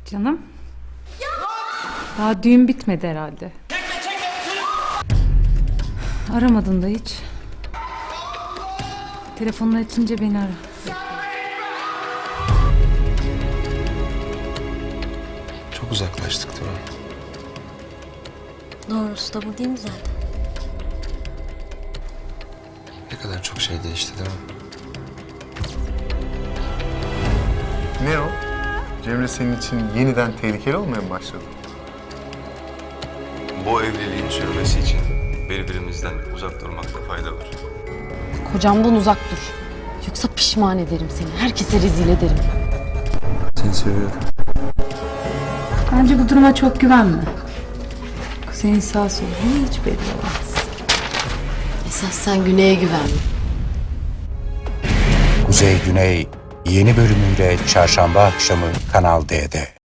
Canım. Daha düğün bitmedi herhalde. Aramadın da hiç. Telefonunu açınca beni ara. Çok uzaklaştık değil mi? Doğrusu da bu değil mi zaten? Ne kadar çok şey değişti değil mi? Ne o? Cemre senin için yeniden tehlikeli olmaya mı başladı? Bu evliliğin sürmesi için birbirimizden uzak durmakta fayda var. Kocamdan uzak dur. Yoksa pişman ederim seni. Herkese rezil ederim. Seni seviyorum. Bence bu duruma çok güvenme. Kuzey'in sağ solu hiç belli olmaz. Esas sen Güney'e güven. Kuzey Güney yeni bölümüyle çarşamba akşamı Kanal D'de.